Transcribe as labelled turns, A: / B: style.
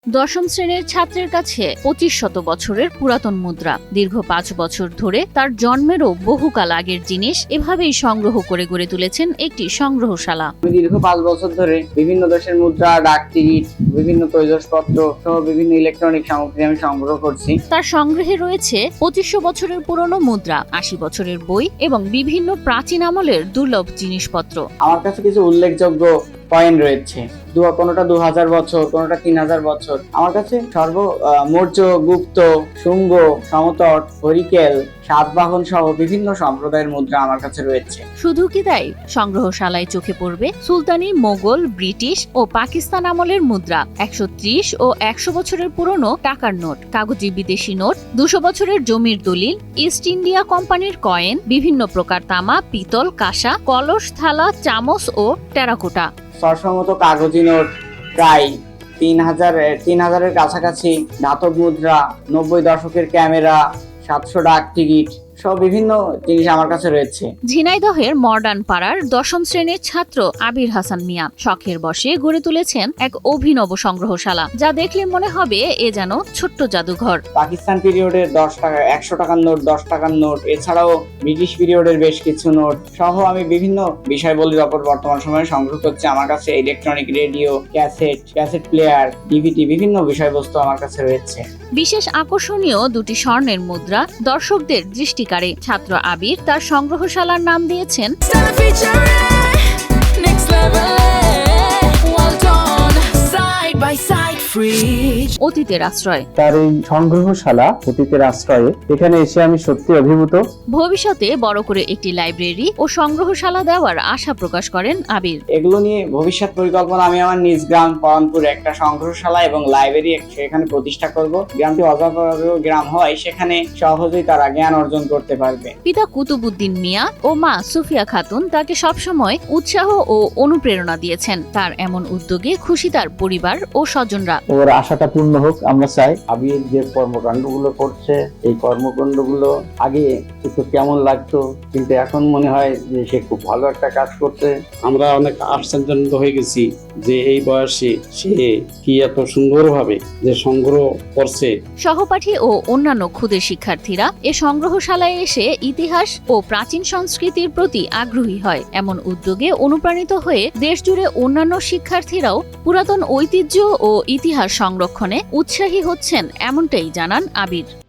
A: দশম শ্রেণীর ছাত্রের কাছে ২৫০০ বছরের পুরাতন মুদ্রা। দীর্ঘ ৫ বছর ধরে তার জন্মেরও বহুকাল আগের জিনিস এভাবেই সংগ্রহ করে গড়ে তুলেছেন একটি সংগ্রহশালা।
B: দীর্ঘ ৫ বছর ধরে বিভিন্ন দেশের মুদ্রা, ডাক টিকিট, বিভিন্ন তৈজসপত্র সহ বিভিন্ন ইলেকট্রনিক সামগ্রী আমি সংগ্রহ করছি।
A: তার সংগ্রহে রয়েছে ২৫০০ বছরের পুরনো মুদ্রা, ৮০ বছরের বই এবং বিভিন্ন প্রাচীন আমলের দুর্লভ জিনিসপত্র।
B: আমার কাছে কিছু উল্লেখযোগ্য কয়েন রয়েছে, কোনোটা ২০০০ বছর, কোনোটা ৩০০০ বছর। আমার কাছে মৌর্য, গুপ্ত, শুঙ্গ, সমতট, হরিকেল, সাতবাহন সহ বিভিন্ন সম্প্রদায়ের মুদ্রা আমার কাছে রয়েছে।
A: শুধু কি তাই, সংগ্রহশালায় চোখে পড়বে সুলতানি, মোগল, ব্রিটিশ ও পাকিস্তান আমলের মুদ্রা, ১৩০ ও ১০০ বছরের পুরনো টাকার নোট, কাগজি বিদেশি নোট, ২০০ বছরের জমির দলিল, ইস্ট ইন্ডিয়া কোম্পানির কয়েন, বিভিন্ন প্রকার তামা, পিতল, কাঁসা, কলস, থালা, চামচ ও টেরাকোটা।
B: সরসমত কাগজি নোট প্রায় ৩০০০-এর কাছাকাছি, ধাতব মুদ্রা, ৯০ দশকের ক্যামেরা, ৭০০ ডাক টিকিট সব বিভিন্ন জিনিস আমার কাছে রয়েছে।
A: ঝিনাইদহের মডার্ন পাড়ার দশম শ্রেণীর ছাত্র আবির হাসান মিয়া শখের বশে গড়ে তুলেছেন এক অভিনব সংগ্রহশালা, যা দেখলে মনে হবে এ যেন ছোট্ট জাদুঘর।
B: পাকিস্তান পিরিয়ডের ১০ টাকা, ১০০ টাকার নোট, 10 টাকার নোট, এছাড়াও ব্রিটিশ পিরিয়ডের বেশ কিছু নোট সহ আমি বিভিন্ন বিষয়বলির ওপর বর্তমান সময়ে সংগ্রহ করছি। আমার কাছে electronic radio, cassette player, DVD বিভিন্ন বিষয়বস্তু আমার কাছে রয়েছে।
A: বিশেষ আকর্ষণীয় দুটি স্বর্ণের মুদ্রা দর্শকদের দৃষ্টি কারে। ছাত্র আবির তার সংগ্রহশালার নাম দিয়েছেন অতীতের আশ্রয়।
C: তার এই সংগ্রহশালা অতীতের আশ্রয়ে, এখানে এসে আমি সত্যি অভিভূত।
A: ভবিষ্যতে বড় করে একটি লাইব্রেরি ও সংগ্রহশালা দেওয়ার আশা প্রকাশ করেন আবির।
B: এগুলো নিয়ে ভবিষ্যৎ পরিকল্পনা, আমি আমার নিজ গ্রাম পরানপুরে একটা সংগ্রহশালা এবং লাইব্রেরি সেখানে প্রতিষ্ঠা করব। গ্রামটি অজাপাড়া গ্রাম হয়, সেখানে সহজেই তারা জ্ঞান অর্জন করতে পারবে।
A: পিতা কুতুবুদ্দিন মিয়া ও মা সুফিয়া খাতুন তাকে সবসময় উৎসাহ ও অনুপ্রেরণা দিয়েছেন। তার এমন উদ্যোগে খুশি তার পরিবার ও স্বজনরা।
C: ওর আশাটা পূর্ণ হোক আমরা চাই।
D: আবির যে কর্মকাণ্ডগুলো করছে, এই কর্মকাণ্ডগুলো আগে একটু কেমন লাগতো, কিন্তু এখন মনে হয় যে সে খুব ভালো একটা কাজ করছে।
E: আমরা অনেক আশ্চর্যান্বিত হয়ে গেছি যে এই বয়সে সে কি এত সুন্দরভাবে যে সংগ্রহ করছে।
A: সহপাঠী ও অন্যান্য ক্ষুদে শিক্ষার্থীরা এ সংগ্রহশালায় এসে ইতিহাস ও প্রাচীন সংস্কৃতির প্রতি আগ্রহী হয়। এমন উদ্যোগে অনুপ্রাণিত হয়ে দেশজুড়ে অন্যান্য শিক্ষার্থীরাও পুরাতন ঐতিহ্য ও ইতিহাস সংরক্ষণে উৎসাহী হচ্ছেন, এমনটাই জানান আবির।